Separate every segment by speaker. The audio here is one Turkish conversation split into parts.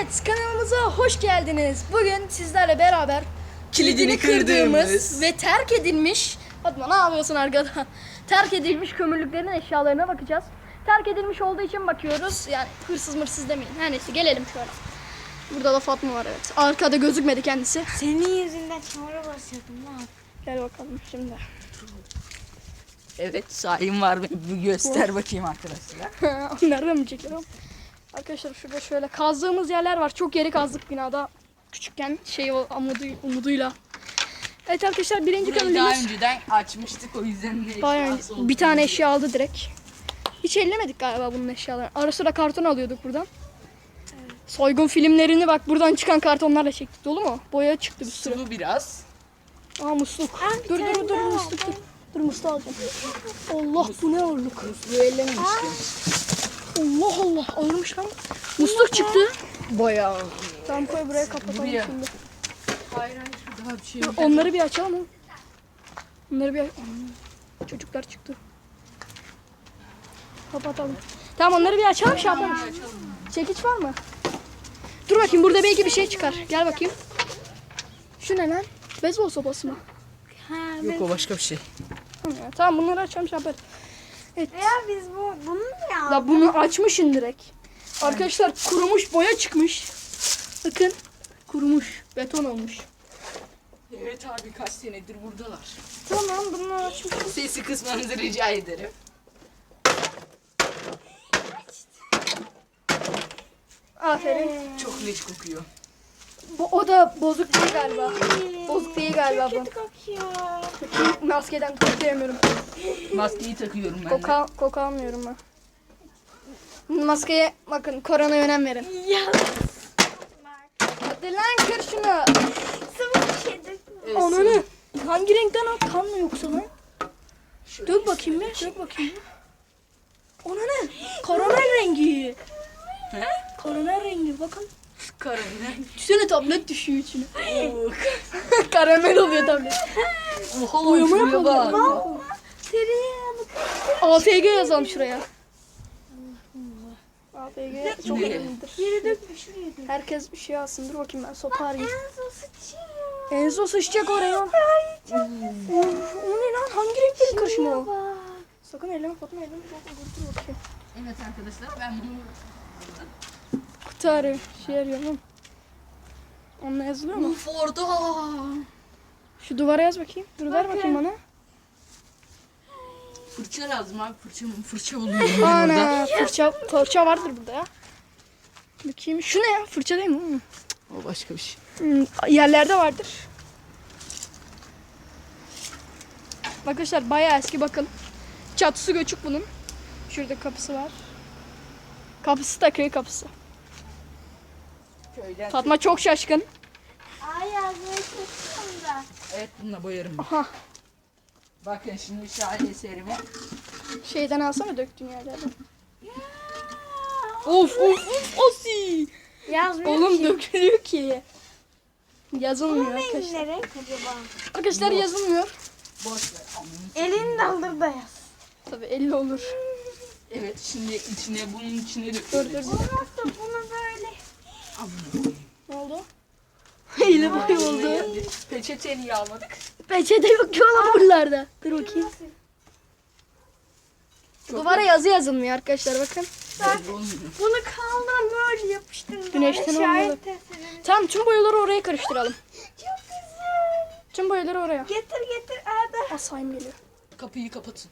Speaker 1: Evet, kanalımıza hoş geldiniz. Bugün sizlerle beraber
Speaker 2: kilidini kırdığımız
Speaker 1: ve terk edilmiş, Fatma ne yapıyorsun arkada? Terk edilmiş kömürlüklerin eşyalarına bakacağız. Terk edilmiş olduğu için bakıyoruz. Yani hırsız mırsız demeyin. Her neyse gelelim şöyle. Burada da Fatma var, evet. Arkada gözükmedi kendisi.
Speaker 3: Senin yüzünden çamura basıyordum lan.
Speaker 1: Gel bakalım şimdi.
Speaker 2: Evet, sahim var. Bir göster bakayım arkadaşlar.
Speaker 1: Nereden mi çekiyorum? Arkadaşlar şurada şöyle kazdığımız yerler var. Çok yeri kazdık binada. Küçükken umuduyla. Evet arkadaşlar, birinci
Speaker 2: Burayı daha
Speaker 1: kömürlüğümüz.
Speaker 2: önceden açmıştık, o yüzden de
Speaker 1: Bayağı bir tane eşya aldı direkt. Hiç ellemedik galiba bunun eşyalarını. Ara sıra karton alıyorduk buradan. Soygun filmlerini bak buradan çıkan kartonlarla çektik. Dolu mu? Boya çıktı bir sürü.
Speaker 2: Sulu biraz.
Speaker 1: Aa musluk. Dur musluk dur. Dur musluğu alacağım. Allah bu ne ağırlık.
Speaker 2: Musluğu ellememiştim.
Speaker 1: Allah Allah ağırmış lan. Musluk çıktı.
Speaker 2: Bayağı.
Speaker 1: Tamam koy buraya kapatalım
Speaker 2: Buraya.
Speaker 1: şimdi.
Speaker 2: Hayır, daha bir şey yok.
Speaker 1: Onları bir açalım mı? Onları bir çocuklar çıktı. Kapatalım. Tamam onları bir açalım şey yapalım. Çekiç var mı? Dur bakayım, burada belki bir şey çıkar. Gel bakayım. Şu ne lan? Beyzbol sopası mı?
Speaker 2: Yok, o başka bir şey.
Speaker 1: Tamam bunları açalım şey yaparız. Evet.
Speaker 3: Ya biz bunu mu ya?
Speaker 1: Da bunu açmışın direkt. Arkadaşlar kurumuş boya çıkmış. Bakın kurumuş. Beton olmuş.
Speaker 2: Evet abi, kaç senedir buradalar.
Speaker 1: Tamam bunu açmış.
Speaker 2: Sesi kısmanızı rica ederim.
Speaker 1: Aferin.
Speaker 2: Çok leş kokuyor.
Speaker 1: O da bozuk değil galiba. Bozuk değil galiba bu.
Speaker 3: Kötü kokuyor.
Speaker 1: Maskeden koklayamıyorum.
Speaker 2: Maskeyi takıyorum ben de.
Speaker 1: Koku almıyorum ben. Maskeye bakın, koronaya önem verin.
Speaker 3: Ya.
Speaker 1: Hadi lan kır şunu.
Speaker 3: Sıvı bir şey dökme.
Speaker 2: Evet,
Speaker 1: Ananı. Hangi renkten o? Kan mı yoksa lan?
Speaker 2: şöyle.
Speaker 1: Dök bakayım bir. Dök bakayım bir. Ananı. Karamel rengi.
Speaker 2: He?
Speaker 1: Karamel rengi bakın.
Speaker 2: Karamel.
Speaker 1: Düşünsene tablet düşüyor içine.
Speaker 2: Oh.
Speaker 1: Karamel oluyor tablet.
Speaker 2: Oha,
Speaker 1: Boyama
Speaker 2: şuraya
Speaker 1: yapalım.
Speaker 2: bak.
Speaker 3: Tereyağı.
Speaker 1: AFG yazalım şuraya. AFG çok
Speaker 2: Nereye?
Speaker 1: önemlidir.
Speaker 3: Yere dökme şuraya dök.
Speaker 1: Herkes bir şey alsın. Dur bakayım ben sopa arayayım.
Speaker 3: Enzo sıçıyor.
Speaker 1: Enzo sıçacak oraya. Of, o ne lan? Hangi renklerin karışımı o?
Speaker 3: Bak.
Speaker 1: Sakın elleme Fatma, elleme. Dur bakayım.
Speaker 2: Evet arkadaşlar, ben bunu
Speaker 1: Kutu arıyor. Şey arıyorum. Onunla yazılıyor mu?
Speaker 2: Forda.
Speaker 1: Şu duvara yaz bakayım. Dur ver bakayım bana.
Speaker 2: Fırça lazım abi, fırça buluyorum ben burada.
Speaker 1: Ana fırça vardır burada ya. Bakayım. Şu ne ya? Fırça değil mi?
Speaker 2: O başka bir şey.
Speaker 1: Yerlerde vardır. Arkadaşlar bayağı eski bakın. Çatısı göçük bunun. Şurada kapısı var. Kapısı da köy kapısı.
Speaker 2: Köyden.
Speaker 1: Fatma çok şaşkın.
Speaker 3: Ay yazmayı çalışıyorum da.
Speaker 2: Evet, bununla boyarım.
Speaker 1: Aha.
Speaker 2: Bakın şimdi şahane eserime.
Speaker 1: Şeyden alsana, döktüğün yerlerden. Of Osi.
Speaker 3: Yazmıyor
Speaker 1: Oğlum
Speaker 3: ki.
Speaker 1: dökülüyor ki. Yazılmıyor
Speaker 3: Bunun rengi
Speaker 1: arkadaşlar.
Speaker 3: ne renk acaba?
Speaker 1: Arkadaşlar yazılmıyor.
Speaker 2: Boş ver.
Speaker 3: Elini daldır da yaz.
Speaker 1: Tabii 50 olur.
Speaker 2: Evet, şimdi bunun içine
Speaker 1: Dur
Speaker 2: döküyoruz.
Speaker 1: dur.
Speaker 3: Olmazsa bunu böyle.
Speaker 1: Ne oldu? Hile boy oldu.
Speaker 2: Peçete niye almadık?
Speaker 1: Peçete yok ki oğlum buralarda. Dur bakayım. Duvara yazı yazılmıyor arkadaşlar bakın.
Speaker 2: Belli olmuyor.
Speaker 3: Bunu kaldan böyle yapıştırdım.
Speaker 1: Güneşten
Speaker 3: Böyle
Speaker 1: olmadı.
Speaker 3: şahit eserim.
Speaker 1: Tamam tüm boyaları oraya karıştıralım.
Speaker 3: Çok güzel.
Speaker 1: Tüm boyaları oraya.
Speaker 3: Getir Arda.
Speaker 1: Asayım geliyor.
Speaker 2: Kapıyı kapatın.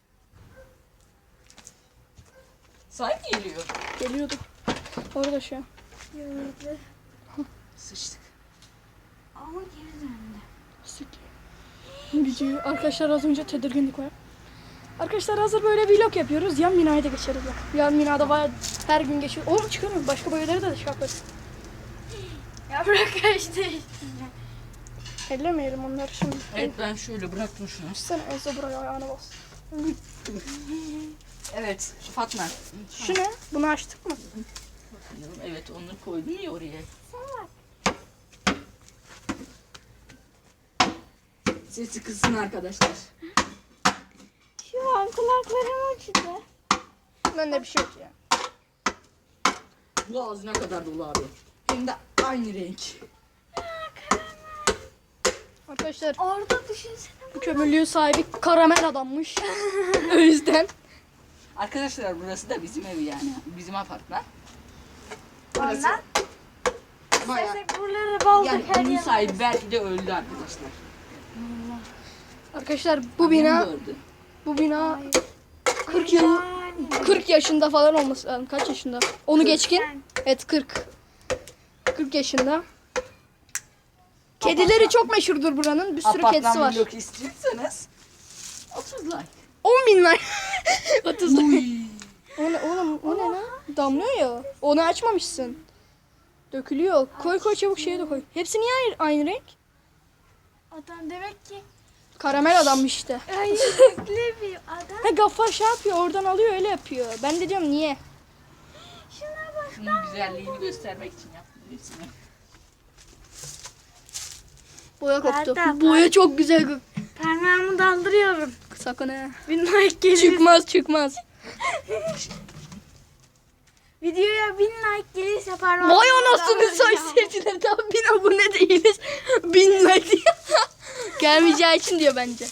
Speaker 2: Say geliyor.
Speaker 1: Geliyordu. Orada şu an.
Speaker 3: Gördü.
Speaker 2: Sıçtık.
Speaker 3: Ama geri döndü.
Speaker 1: Videoyu arkadaşlar az önce tedirginlik var. Arkadaşlar hazır böyle vlog yapıyoruz. Yan binaya da geçeriz bak. Yan binada bayağı her gün geçiyor. Oğlum çıkarım. Başka boyaları da şey yaparız.
Speaker 3: Ya bırak işte.
Speaker 1: Ellemeyelim onları şimdi.
Speaker 2: Evet, ben şöyle bıraktım şunu.
Speaker 1: Sen Enzo buraya ayağına bas.
Speaker 2: Evet, Fatma.
Speaker 1: Şu ne? Bunu açtık mı?
Speaker 2: Evet, onu koydum ya oraya. Sesi kızsın arkadaşlar.
Speaker 3: Şu an kulaklarım acıdı.
Speaker 1: Bende bir şey yok ya.
Speaker 2: Bu ağzına kadar dolu abi. Hem de aynı renk.
Speaker 1: Arkadaşlar
Speaker 3: Orada düşünsene.
Speaker 1: bu kömürlüğün sahibi karamel adammış. O yüzden.
Speaker 2: Arkadaşlar burası da bizim ev yani. Bizim apartman.
Speaker 3: Ondan.
Speaker 2: Bayağı.
Speaker 3: İstersek buraları baldık
Speaker 2: Yani
Speaker 3: her
Speaker 2: bunun
Speaker 3: yer.
Speaker 2: sahibi belki de öldü arkadaşlar.
Speaker 1: Arkadaşlar bu
Speaker 2: Annem
Speaker 1: bina
Speaker 2: de öldü.
Speaker 1: bu bina 40 yıl 40 yaşında falan olması lazım. Kaç yaşında? Onu geçkin. Evet 40. 40 yaşında. Kedileri çok meşhurdur buranın. Bir sürü kedisi
Speaker 2: Apartman
Speaker 1: var.
Speaker 2: blok istiyorsanız 30 like.
Speaker 1: 10.000 like. 30 like.
Speaker 2: Uy.
Speaker 1: O ne oğlum? O ne lan? Damlıyor ya. Onu açmamışsın. Dökülüyor. Koy koy çabuk şeye de koy. Hepsi niye aynı renk?
Speaker 3: Adam demek ki
Speaker 1: Karamel adammış işte.
Speaker 3: hayırlı bir adam.
Speaker 1: Ha Gaffar şey yapıyor oradan alıyor öyle yapıyor. Ben de diyorum niye?
Speaker 3: Şuna bak.
Speaker 2: Şunun güzelliğini göstermek için yaptım resmi.
Speaker 1: Boya koptu.
Speaker 3: Nerede?
Speaker 1: Boya çok güzel.
Speaker 3: Parmağımı daldırıyorum.
Speaker 1: Sakın ha.
Speaker 3: Bir like gelir.
Speaker 1: Çıkmaz.
Speaker 3: Videoya 1000 like gelirse parmağımı
Speaker 1: Vay anasını
Speaker 3: daldıracağım.
Speaker 1: say seyirciler daha 1000 abone değiliz. 1000 like diyor. Gelmeyeceği için diyor bence.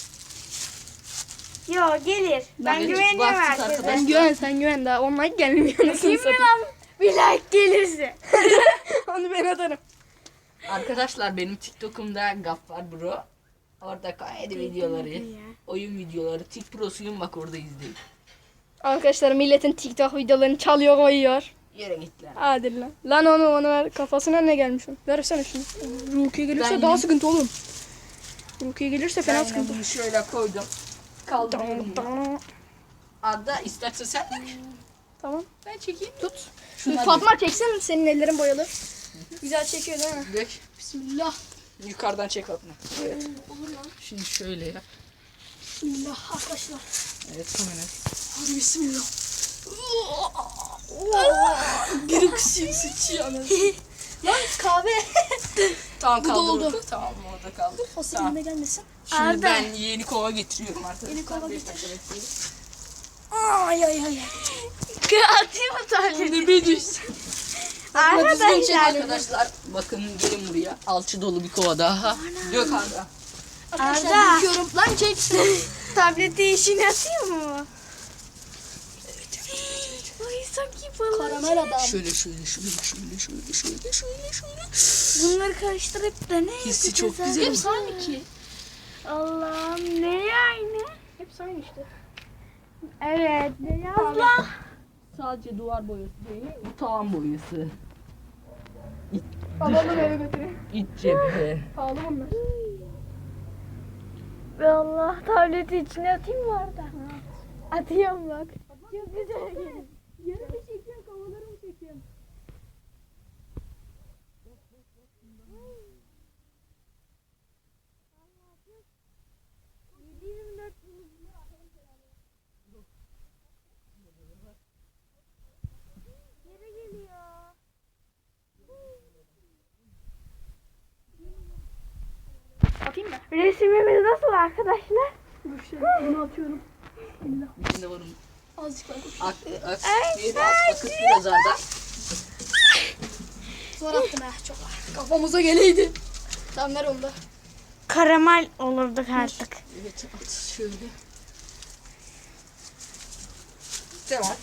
Speaker 3: Yo gelir. Ben
Speaker 2: Bence
Speaker 3: güveniyorum
Speaker 2: baktık
Speaker 3: herkese.
Speaker 2: arkadaşlar.
Speaker 1: Sen güven daha 10 like gelmiyor. Anasını
Speaker 3: Kim mi
Speaker 1: satayım.
Speaker 3: lan? Bir like gelirse.
Speaker 1: Onu ben atarım.
Speaker 2: Arkadaşlar benim TikTok'umda Gaffar Bro. Orada komedi videoları, oyun videoları, Tik Pro'suyum bak orada izleyin.
Speaker 1: Arkadaşlar milletin TikTok videolarını çalıyor koyuyor.
Speaker 2: Yere gittiler.
Speaker 1: Hadi lan. Lan onu ver. Kafasına ne gelmiş onun? Versene şunu. Rukiye gelirse
Speaker 2: Ben
Speaker 1: daha
Speaker 2: yine-
Speaker 1: sıkıntı oğlum. Rukiye gelirse
Speaker 2: Ben
Speaker 1: fena
Speaker 2: yine
Speaker 1: sıkıntı.
Speaker 2: bunu şöyle koydum. Kaldırıyorum bunu. Arda istersen sen de
Speaker 1: Tamam.
Speaker 2: ben çekeyim.
Speaker 1: Tut.
Speaker 2: Şuna
Speaker 1: Fatma çeksin senin ellerin boyalı. Güzel çekiyor değil mi?
Speaker 2: dök.
Speaker 1: Bismillah.
Speaker 2: Yukarıdan çek Fatma. Evet.
Speaker 1: Olur lan.
Speaker 2: Şimdi şöyle yap.
Speaker 1: Bismillah arkadaşlar.
Speaker 2: Evet kamera.
Speaker 1: Hadi bismillah. Bir kısım sıçıyor anasını. Lan kahve.
Speaker 2: Tamam
Speaker 1: Bu da
Speaker 2: kaldır
Speaker 1: oldu.
Speaker 2: orada. Tamam orada kaldır.
Speaker 1: O
Speaker 2: Tamam.
Speaker 1: seninle gelmesin.
Speaker 2: Şimdi
Speaker 3: Arda.
Speaker 2: ben yeni kova getiriyorum arkadaşlar.
Speaker 1: Yeni kova
Speaker 2: Bir
Speaker 1: getir.
Speaker 2: dakika bekleyin.
Speaker 1: Ay ay ay.
Speaker 3: Atayım mı tahlili?
Speaker 2: Şimdi bir düşsün.
Speaker 3: Arkadaşlar.
Speaker 2: Arkadaşlar bakın gelin buraya. Alçı dolu bir kova daha. Dök Arda.
Speaker 1: Arkadaşlar
Speaker 3: Arda.
Speaker 1: bakıyorum. Lan çek.
Speaker 3: Tableti işini atıyor mu? Ay sanki balık.
Speaker 1: Karamel adam.
Speaker 2: Şöyle.
Speaker 3: Bunları karıştırıp da ne
Speaker 2: Hissi çok
Speaker 3: yapacağız
Speaker 2: güzel.
Speaker 3: abi?
Speaker 1: Hepsi aynı ki.
Speaker 3: Allah'ım ne aynı?
Speaker 1: Hepsi aynı işte.
Speaker 3: Evet beyazla.
Speaker 2: Sadece duvar boyası değil, bu tavan boyası.
Speaker 1: Alalım eve götüreyim.
Speaker 2: İç cephe.
Speaker 1: Pahalı bunlar.
Speaker 3: Ve Allah tableti içine atayım mı orada? Atıyorum bak. Çok güzel geliyor.
Speaker 1: Yarın mı çekiyorsun? Havaları mı çekiyorsun?
Speaker 3: Geri geliyor.
Speaker 1: Atayım mı?
Speaker 3: Resimimiz nasıl arkadaşlar?
Speaker 1: Dur şöyle bunu atıyorum.
Speaker 2: İçinde var onun.
Speaker 1: Azıcık var.
Speaker 2: Neydi az akıt biraz Arda.
Speaker 1: Zor attım ha çok. Kafamıza geleydi. Tamam ver onu da.
Speaker 3: Karamel olurduk artık.
Speaker 2: Evet at şöyle. Tamam.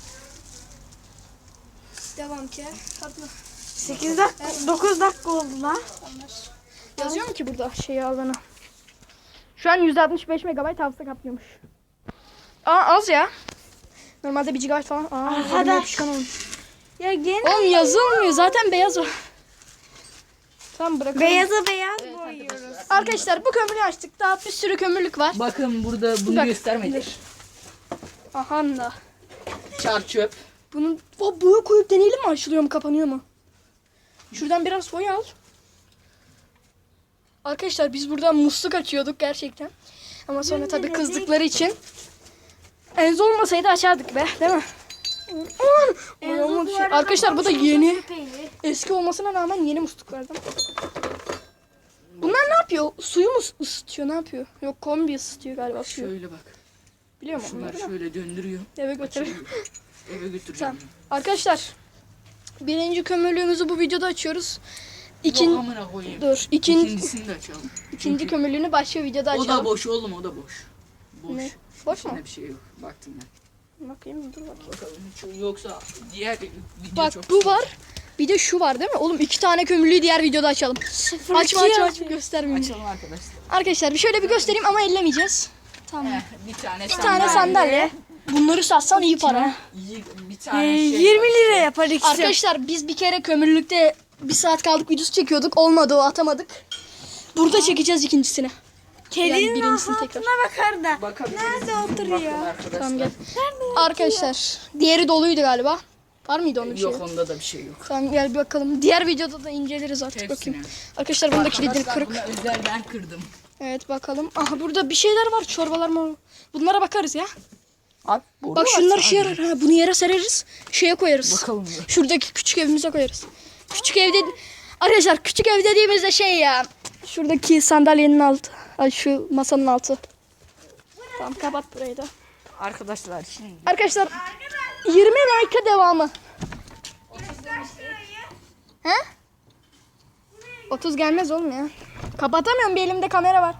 Speaker 1: Devam ki. Fatma.
Speaker 3: 8 dakika, 9 dakika oldu lan.
Speaker 1: Yazıyor mu ki burada şeyi alana? Şu an 165 MB hafıza kaplıyormuş. Az ya. Normalde 1 GB falan.
Speaker 3: Arkadaş.
Speaker 1: Yapışkan olmuş.
Speaker 3: Ya gene
Speaker 1: Oğlum yazılmıyor. Zaten beyaz o. Tamam bırakalım.
Speaker 3: beyaza beyaz boyuyoruz.
Speaker 1: Arkadaşlar bu kömürü açtık. Daha bir sürü kömürlük var.
Speaker 2: Bakın burada bunu
Speaker 1: Bak,
Speaker 2: göstermedik.
Speaker 1: Aha da.
Speaker 2: Çar çöp.
Speaker 1: Bunun boya koyup deneyelim mi? Açılıyor mu kapanıyor mu? Şuradan biraz boya al. Arkadaşlar biz buradan musluk açıyorduk gerçekten. Ama sonra tabii kızdıkları için. Enzo olmasaydı açardık be değil mi? Arkadaşlar bu da yeni. Eski olmasına rağmen yeni musluklardan. Bunlar ne yapıyor? Suyu mu ısıtıyor? Ne yapıyor? Yok kombi ısıtıyor galiba suyu.
Speaker 2: Şöyle bak.
Speaker 1: Biliyor musun
Speaker 2: Şunları
Speaker 1: bunları?
Speaker 2: şöyle döndürüyor.
Speaker 1: Eve götür.
Speaker 2: Eve götüreceğim.
Speaker 1: Tamam. Arkadaşlar Birinci kömürlüğümüzü bu videoda açıyoruz.
Speaker 2: Yok amına koyayım.
Speaker 1: Dur.
Speaker 2: İkincisini de açalım.
Speaker 1: İkinci kömürlüğünü başka videoda
Speaker 2: O
Speaker 1: açalım.
Speaker 2: da boş oğlum, o da boş. Boş.
Speaker 1: Ne? Boş mu?
Speaker 2: İçinde bir şey yok. Baktım ben.
Speaker 1: Bakayım dur bakayım.
Speaker 2: Bakalım hiç yoksa diğer video
Speaker 1: Bak
Speaker 2: çok
Speaker 1: bu var. Bir de şu var değil mi? Oğlum 2 tane kömürlüğü diğer videoda açalım. Aç göstermeyeyim.
Speaker 2: Açalım arkadaşlar.
Speaker 1: Arkadaşlar bir şöyle bir göstereyim ama ellemeyeceğiz. Tamam.
Speaker 2: Bir tane
Speaker 1: Bir tane sandalye. Bunları satsan iyi para.
Speaker 2: Bir tane şey
Speaker 3: 20
Speaker 2: var.
Speaker 3: lira yapar ikisi.
Speaker 1: Arkadaşlar biz bir kere kömürlükte 1 saat kaldık videosu çekiyorduk. Olmadı o, atamadık. Burada çekeceğiz ikincisini.
Speaker 3: Kedinin
Speaker 1: birincisini tekrar.
Speaker 3: altına bakar da.
Speaker 2: Bakabiliriz.
Speaker 3: Nerede
Speaker 2: Bakın
Speaker 3: oturuyor?
Speaker 2: arkadaşlar.
Speaker 1: Tamam gel. Arkadaşlar diğeri doluydu galiba. Var mıydı onun bir şey?
Speaker 2: Yok, onda da bir şey yok.
Speaker 1: Tamam gel bir bakalım. Diğer videoda da inceleriz artık
Speaker 2: Hepsini.
Speaker 1: bakayım. Arkadaşlar bunun da kilidi
Speaker 2: Arkadaşlar,
Speaker 1: kırık.
Speaker 2: bunu özel ben kırdım.
Speaker 1: Evet bakalım. Aha burada bir şeyler var. Çorbalar mı? Bunlara bakarız ya.
Speaker 2: Abi,
Speaker 1: Bak şunlar işe yarar. Ha, bunu yere sereriz. Şeye koyarız.
Speaker 2: Bakalım.
Speaker 1: Şuradaki küçük evimize koyarız. Küçük evde arkadaşlar küçük ev dediğimizde şey ya. Şuradaki sandalyenin altı. Ay şu masanın altı. Tamam kapat burayı da.
Speaker 2: Arkadaşlar şimdi.
Speaker 1: Arkadaşlar 20 like'a devamı. He? 30 gelmez oğlum ya. Kapatamıyorum, bir elimde kamera var.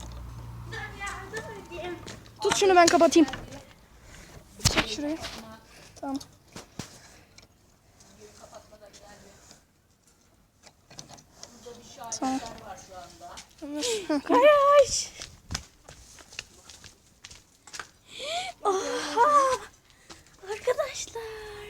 Speaker 1: Tut şunu ben kapatayım. Çek şurayı. Tamam. Tamam.
Speaker 3: Karaş. Oha. Arkadaşlar.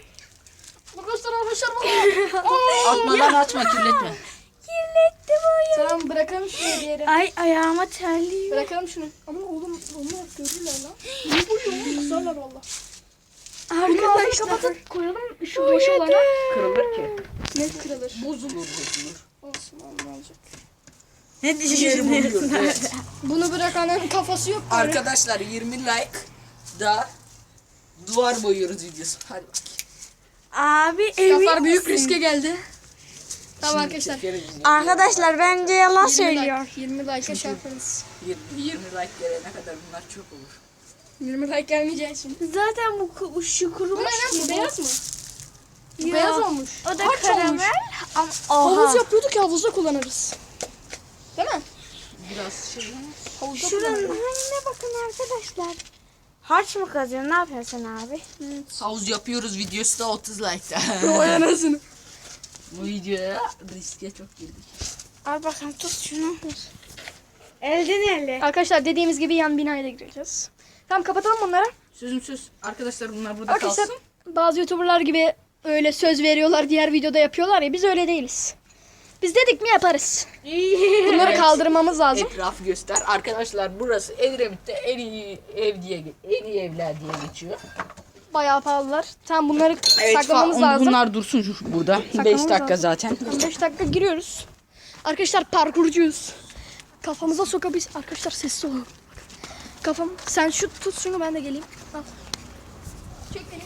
Speaker 1: Arkadaşlar
Speaker 2: Atmadan açma, kirletme.
Speaker 3: Kirlettim oyun.
Speaker 1: Tamam bırakalım şunu bir yere.
Speaker 3: Ay ayağıma terliyor.
Speaker 1: Bırakalım şunu. Ama oğlum onlar görürler lan. Ne bu ya? Kızarlar valla. Bunu ağzını
Speaker 3: Arkadaşlar.
Speaker 1: kapatıp koyalım şu boş olana.
Speaker 2: Kırılır ki.
Speaker 1: Ne kırılır?
Speaker 2: Bozulur.
Speaker 1: Olsun ne olacak.
Speaker 3: Ne
Speaker 2: Yeri
Speaker 3: düşünüyorsun?
Speaker 2: buluyoruz, evet.
Speaker 1: Bunu bırakanın kafası yok. Böyle.
Speaker 2: Arkadaşlar 20 like da duvar boyuyoruz videosu. Hadi bak.
Speaker 3: Abi emin
Speaker 1: Kafar büyük
Speaker 3: misin?
Speaker 1: riske geldi. Tamam arkadaşlar.
Speaker 2: Çekeriz.
Speaker 3: Arkadaşlar bence yalan
Speaker 1: 20
Speaker 3: söylüyor.
Speaker 1: like, 20 like'a şey yaparız.
Speaker 2: 20 like gelene kadar bunlar çok olur.
Speaker 1: 20 like gelmeyeceği için.
Speaker 3: Zaten bu şu
Speaker 1: Bu
Speaker 3: kurumuş
Speaker 1: ne lan? Bu
Speaker 3: gibi.
Speaker 1: beyaz mı? Bu
Speaker 3: Yok.
Speaker 1: beyaz olmuş.
Speaker 3: O da
Speaker 1: Harç
Speaker 3: karamel.
Speaker 1: olmuş.
Speaker 3: Ama
Speaker 1: Havuz
Speaker 3: oha.
Speaker 1: yapıyorduk ya, havuzda kullanırız. Değil mi?
Speaker 2: Biraz şey.
Speaker 1: Havuzda
Speaker 3: Şuranın
Speaker 1: kullanırız.
Speaker 3: haline bakın arkadaşlar. Harç mı kazıyorsun? Ne yapıyorsun abi?
Speaker 2: Havuz yapıyoruz videosu da 30 like'da.
Speaker 1: Vay anasını.
Speaker 2: Bu videoya riske çok girdik.
Speaker 3: Al bakalım tut şunu. Elden ele.
Speaker 1: Arkadaşlar dediğimiz gibi yan binaya da gireceğiz. Tamam kapatalım bunları.
Speaker 2: Sözüm söz. Arkadaşlar bunlar burada
Speaker 1: Arkadaşlar
Speaker 2: kalsın.
Speaker 1: bazı YouTuber'lar gibi öyle söz veriyorlar, diğer videoda yapıyorlar ya, biz öyle değiliz. Biz dedik mi yaparız. Bunları
Speaker 2: Evet.
Speaker 1: kaldırmamız lazım.
Speaker 2: Etrafı göster. Arkadaşlar burası Edremit'te en iyi evler diye geçiyor.
Speaker 1: Bayağı pahalılar. Tamam bunları saklamamız lazım.
Speaker 2: Bunlar dursun burada. 5
Speaker 1: Saklamamız
Speaker 2: dakika
Speaker 1: lazım.
Speaker 2: zaten.
Speaker 1: 5 dakika giriyoruz. Arkadaşlar parkurcuyuz. Kafamıza sokabiliriz. Arkadaşlar sessiz olun. Kafam, sen şu tut şunu, ben de geleyim. Al. Çek beni.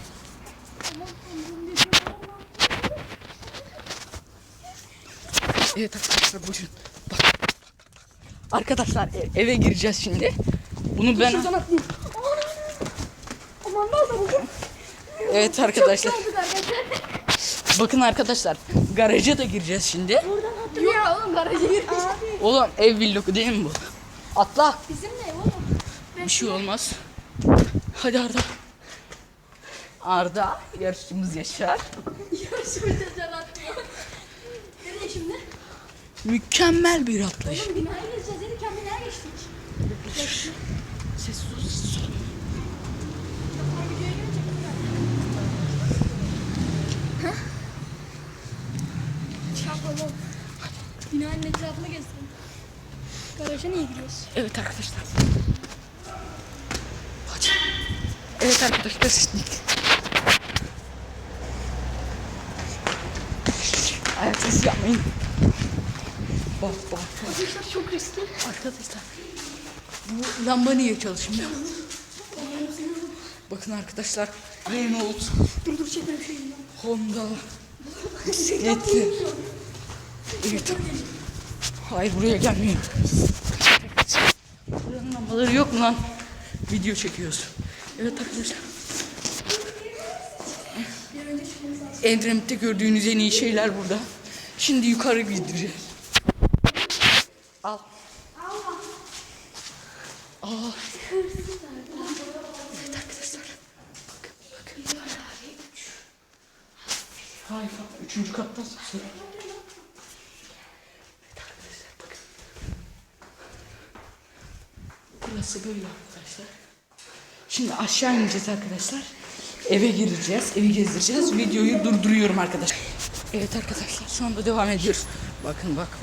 Speaker 2: Evet arkadaşlar buyurun. Bak. Arkadaşlar eve gireceğiz şimdi. Bunu ben...
Speaker 1: Şuradan atlayayım. Aman ne oldu bugün?
Speaker 2: Evet arkadaşlar.
Speaker 1: Çok arkadaşlar.
Speaker 2: Bakın arkadaşlar. Garaja da gireceğiz şimdi.
Speaker 1: Yok oğlum garaja girmiş.
Speaker 2: Oğlum ev vlogu değil mi bu? Atla.
Speaker 1: Bizim ne oğlum?
Speaker 2: Bir şey olmaz. Hadi Arda. Arda yarışçımız Yaşar.
Speaker 1: Yarışmacı atlıyor. Nereye şimdi?
Speaker 2: Mükemmel bir atlayış.
Speaker 1: Oğlum binaya gireceğiz dedik ya, binaya geçtik.
Speaker 2: Sessiz ol, sessiz ol.
Speaker 1: Çapalım. Binanın etrafını gezdim. Garaja niye giriyoruz?
Speaker 2: Evet arkadaşlar. Hadi. Evet arkadaşlar şimdi. Ayak sesi yapmayın. Bak.
Speaker 1: Arkadaşlar çok riskli.
Speaker 2: Arkadaşlar. Bu lamba niye çalışmıyor? Bakın arkadaşlar. Renault,
Speaker 1: Dur çekme bir şey yok.
Speaker 2: Honda, bisikletli. Evet. Hayır buraya gelmeyin. Buranın lambaları yok mu lan? Video çekiyoruz. Evet arkadaşlar.
Speaker 1: Bir önce çıkmamız lazım.
Speaker 2: Edremit'te gördüğünüz en iyi şeyler burada. Şimdi yukarı gideceğiz. Al. Aa. Evet arkadaşlar. Bakın. Hayır, 3. kattan sesi. Evet arkadaşlar bakın. Burası böyle arkadaşlar. Şimdi aşağı ineceğiz arkadaşlar. Eve gireceğiz, evi gezdireceğiz. Videoyu durduruyorum arkadaşlar. Evet arkadaşlar şu anda devam ediyoruz. Bakın bak.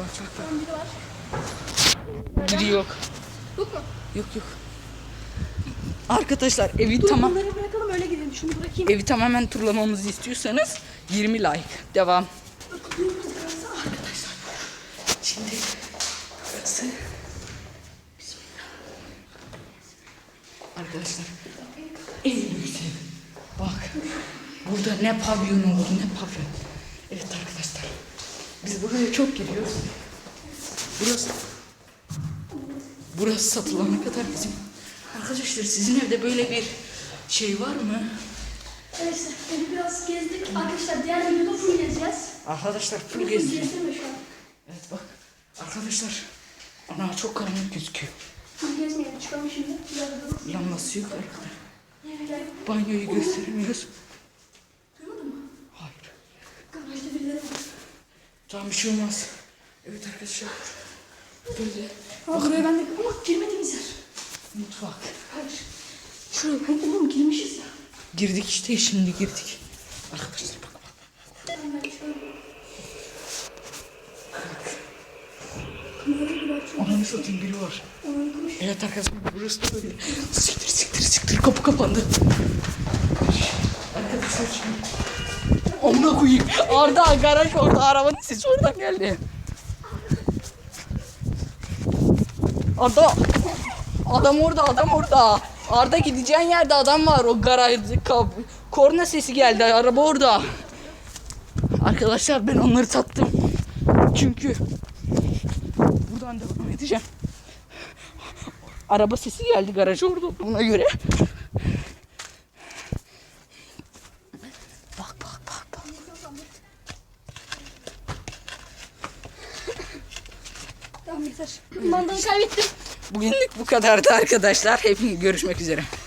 Speaker 2: Biri yok.
Speaker 1: Yok mu?
Speaker 2: Yok. Arkadaşlar evi tamam.
Speaker 1: Bunları bırakalım öyle gidelim. Şunu bırakayım.
Speaker 2: Evi tamamen turlamamızı istiyorsanız 20 like. Devam. Arkadaşlar şimdi burası. Bismillah. Arkadaşlar en büyük ev. Bak burada ne pavyon olur ne pavyon. Evet arkadaşlar biz buraya çok giriyoruz. Burası satılana kadar bizim. Arkadaşlar sizin evde böyle bir şey var mı?
Speaker 1: Neyse evi biraz gezdik. Arkadaşlar diğer videoda full gezeceğiz.
Speaker 2: Arkadaşlar full
Speaker 1: Full
Speaker 2: geziyor.
Speaker 1: gezdirme şu an.
Speaker 2: Evet bak arkadaşlar. Ana çok karanlık gözüküyor.
Speaker 1: Full gezmeyelim. Çıkalım şimdi. Biraz duralım.
Speaker 2: Lambası yok arkadaşlar.
Speaker 1: Evler.
Speaker 2: Banyoyu gösteremiyoruz.
Speaker 1: Duymadın mı?
Speaker 2: Hayır.
Speaker 1: Garajda birileri var.
Speaker 2: Tamam bir şey olmaz. Evet arkadaşlar. Böyle
Speaker 1: Ha buraya ben de... Ama girmediğimiz yer.
Speaker 2: mutfak.
Speaker 1: Hayır. Şuraya. Oğlum girmişiz ya.
Speaker 2: Girdik işte şimdi girdik. Arkadaşlar bak.
Speaker 1: Ben çıkalım. Kamerayı bir açıyorum.
Speaker 2: Ananı satayım biri var.
Speaker 1: Onu konuş.
Speaker 2: Evet arkadaşlar burası da böyle. Siktir kapı kapandı. Arkadaşlar şimdi. Amına koyayım. Arda garaj orada arabanın sesi oradan geldi. Arda. Adam orada. Arda gideceğin yerde adam var. O garaj korna sesi geldi. Araba orada. Arkadaşlar ben onları sattım. Çünkü buradan devam edeceğim. Araba sesi geldi garaj orada. Buna göre. Bak.
Speaker 1: Tamam yeter. Mandalı kaybettim.
Speaker 2: Bugünlük bu kadardı arkadaşlar. Hepiniz görüşmek üzere.